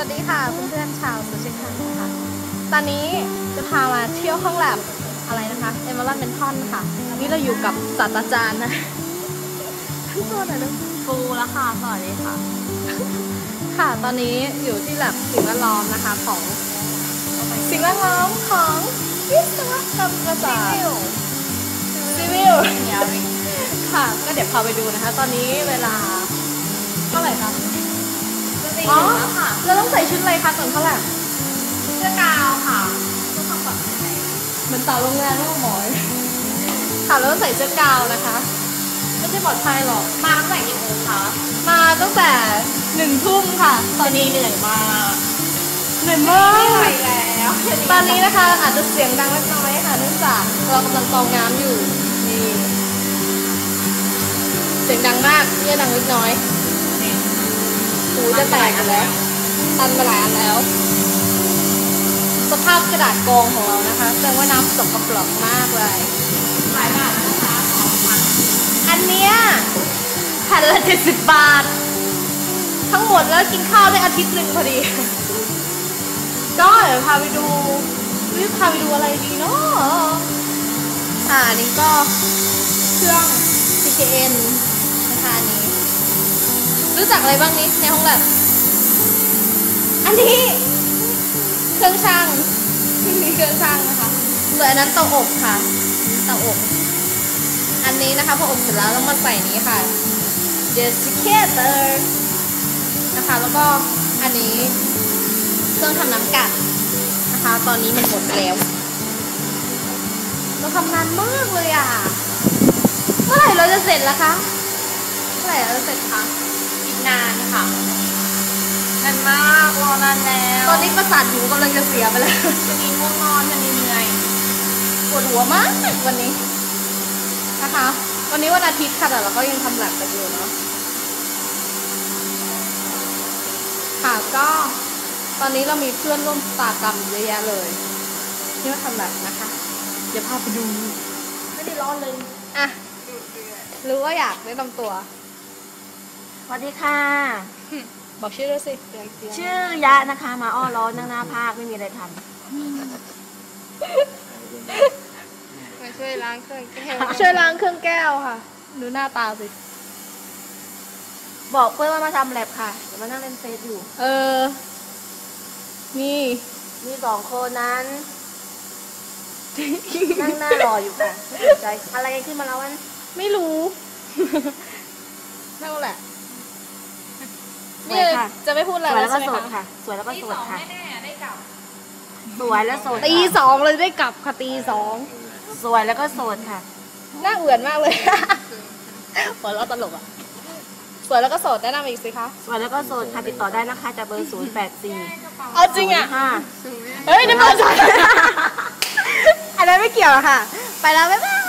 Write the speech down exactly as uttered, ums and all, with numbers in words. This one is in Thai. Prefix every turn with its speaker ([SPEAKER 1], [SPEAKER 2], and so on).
[SPEAKER 1] วัสดีค่ะเพื่อนๆชาวโซเชียลคันนะคะตอนนี้จะพามาเที่ยวห้องแลบอะไรนะคะเอเมอรัลด์เมนทอนค่ะนี่เราอยู่กับศาสตราจารย์นะท่านตัวไหนนะฟูแล้วค่ะสวัสดีค่ะค่ะตอนนี้อยู่ที่แลบสิ่งแวดล้อมนะคะของสิ่งแวดล้อมของวิศวกรรมศาสตร์ซีวิลค่ะก็เดี๋ยวพาไปดูนะคะตอนนี้เวลาเท่าไหร่คะอ๋อเราต้องใส่ชุดอะไรคะก่อนเท่าไหร่เสื้อกาวค่ะเพื่อความปลอดภัยเหมือนเต่าโรงแรมไม่ต้องหมอยค่ะเราต้องใส่เสื้อกาวนะคะไม่ใช่ปลอดภัยหรอกมาตั้งแต่กี่โมงคะมาตั้งแต่หนึ่งทุ่มค่ะตอนนี้เหนื่อยมากเหนื่อยมากไม่ไหวแล้วตอนนี้นะคะอาจจะเสียงดังเล็กน้อยค่ะเนื่องจากเรากำลังกรองน้ำอยู่นี่เสียงดังมากเยี่ยดังเล็กน้อยหูจะแตกกันแล้วตันมาหลายอันแล้วสภาพกระดาษกองของเรานะคะแสดงว่าน้ำสกปรกมากเลยหลายบาทนะคะอันเนี้ยแผ่นละเจ็ดสิบบาททั้งหมดแล้วกินข้าวได้อาทิตย์หนึ่งพอดีก็เดี๋ยวพาไปดูรีบพาไปดูอะไรดีเนาะอ่านี่ก็เครื่อง ซี เค เอ็น นะคะอันนี้รู้จักอะไรบ้างนี้ในห้องแลบอันนี้เครื่องช่างนี่เครื่องช่างนะคะส่วนอันนั้นเตาอบค่ะเตาอบอันนี้นะคะพออบเสร็จแล้วต้องมาใส่นี้ค่ะ desiccator นะคะแล้วก็อันนี้เครื่องทำน้ำกัดนะคะตอนนี้มันหมดไปแล้วเราทำนานมากเลยอ่ะเมื่อไหร่เราจะเสร็จล่ะคะเมื่อไหร่เราจะเสร็จคะอีกนานค่ะนานมากรอนานแล้วตอนนี้ประสาทหูกำลังจะเสียไปแล้วจะมีง่วงนอนจะมีเหนื่อยปวดหัวมากวันนี้นะคะวันนี้วันอาทิตย์ค่ะแต่เราก็ยังทำแลบกันอยู่เนาะค่ะก็ตอนนี้เรามีเพื่อนร่วมชะตากรรมเยอะแยะเลยที่มาทำแลบนะคะเดี๋ยวพาไปดูไม่ได้ร้อนเลยอ่ะรู้ว่าอยากได้นำตัว
[SPEAKER 2] สวัสดีค่ะ
[SPEAKER 1] บอกชื่อด้วยสิ
[SPEAKER 2] ชื่อยะนะคะมาอ้อร้อนนั่งหน้าภาคไม่มีอะไรทำ
[SPEAKER 1] มาช่วยล้างเครื่องแก้วช่วยล้างเครื่องแก้วค่ะดูหน้าตาสิ
[SPEAKER 2] บอกเพื่อนว่ามาทำแลบค่ะเดี๋ยวมานั่งเล่นเฟซอยู่
[SPEAKER 1] เออนี่
[SPEAKER 2] มีสองคนนั้นนั่งหน้ารออยู่ค่ะไม่สนใจอะไรขึ้นมาแล้ววัน
[SPEAKER 1] ไม่รู้นั่นแหละ
[SPEAKER 2] นี่
[SPEAKER 1] จะไม่พูดอะไร
[SPEAKER 2] สวยแล้วก็โสดค่ะสวยแล้วก็โสดค่ะสวยแล้วโสด
[SPEAKER 1] ตีสองเลยได้กลับค่ะตีสอง
[SPEAKER 2] สวยแล้วก็โสดค่ะ
[SPEAKER 1] น่าเอื่อนมากเลยหัวเราะตลกอ่ะสวยแล้วก็โสดแนะนำอีกสิคะ
[SPEAKER 2] สวยแล้วก็โสดค่ะติดต่อได้นะคะจากเบอร์ศูนย์แปดสี่
[SPEAKER 1] เอาจริงอ่ะ
[SPEAKER 2] ค่ะ
[SPEAKER 1] เฮ้ยนี่เบอร์ฉันอันนั้นไม่เกี่ยวค่ะไปแล้วบ๊ายบาย